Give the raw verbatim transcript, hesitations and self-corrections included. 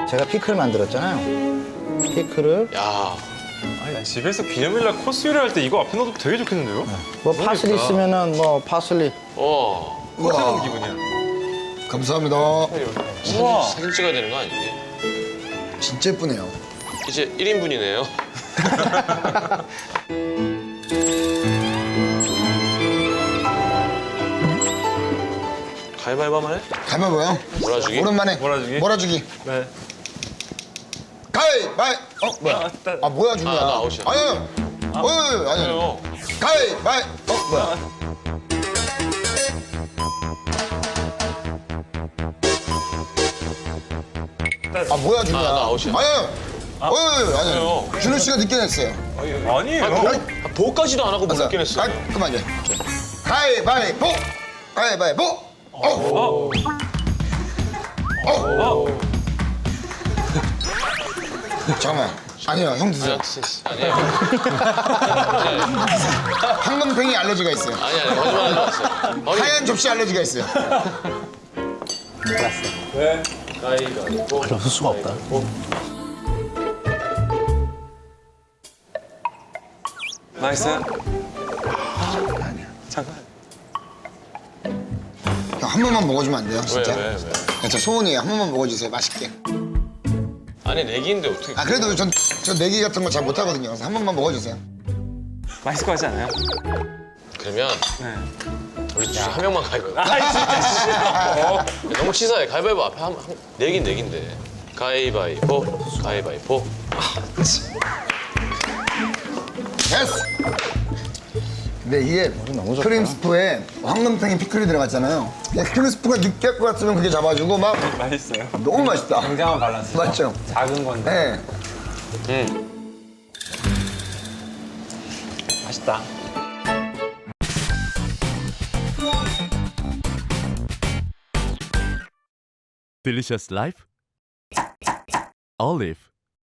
제가 피클 만들었잖아요. 피클을 야, 아니 난 집에서 기념일날 코스 요리할 때 이거 앞에 놔도 되게 좋겠는데요? 뭐 파슬리 그러니까. 있으면은 뭐 파슬리. 어. 호텔 온 우와. 기분이야. 감사합니다. 우와. 사진, 사진 찍어야 되는 거 아니니? 진짜 예쁘네요. 이제 일 인분이네요. 가위바위보 한번 해? 가위바위보요? 몰아주기? 오랜만에. 몰아주기? 몰아주기. 네. 가위바위. 어 뭐야? 아, 따- 아 뭐야 중이야? 아, 나 아웃이야. 아니 아니. 아니 아니. 아니요. 가위바위. 어 뭐야? 아 뭐야 중이야? 아, 나 아웃이야. 아니 아니. 아니 아니. 아니요. 준호 씨가 늦게 냈어요. 아니에요. 아, 보, 아, 보까지도 안 하고 뭘 늦게 냈어. 깔끔하게. 가위바위보. 가위바위보. 어. 어. 어. 어. 잠깐만. 아니요, 형 드세요. 아니에요. 황금팽이 알러지가 있어요. 아니, 아니, 거짓말 하지 마세요. 어이, 하얀 접시 알러지가 있어요. 네. 가위바위보. 없을 수가 없다. 나이스. 잠깐. 형, 한 번만 먹어주면 안 돼요, 왜, 진짜? 왜, 왜? 저 소원이에요. 한 번만 먹어주세요, 맛있게. 아니, 내기인데 어떻게. 아, 그래도 전, 저 내기 같은 거 잘 못하거든요. 그래서 한 번만 먹어주세요. 맛있을 것 같지 않아요? 그러면 네. 우리 둘 한 명만 가위바위보. 아 진짜 싫어. 너무 치사해. 가위바위보 앞에 한, 한 내긴 내긴데. 가위바위보, 가위바위보. 됐어! 근데 이게 너무 좋다. 크림 스프에 황금팽이 피클이 들어갔잖아요. 근데 크림 스프가 느끼할 것 같으면 그게 잡아주고 막 맛있어요. 너무 맛있다. 굉장한 밸런스. 맞죠? 작은 건데 네. 음. 맛있다. Delicious Life Olive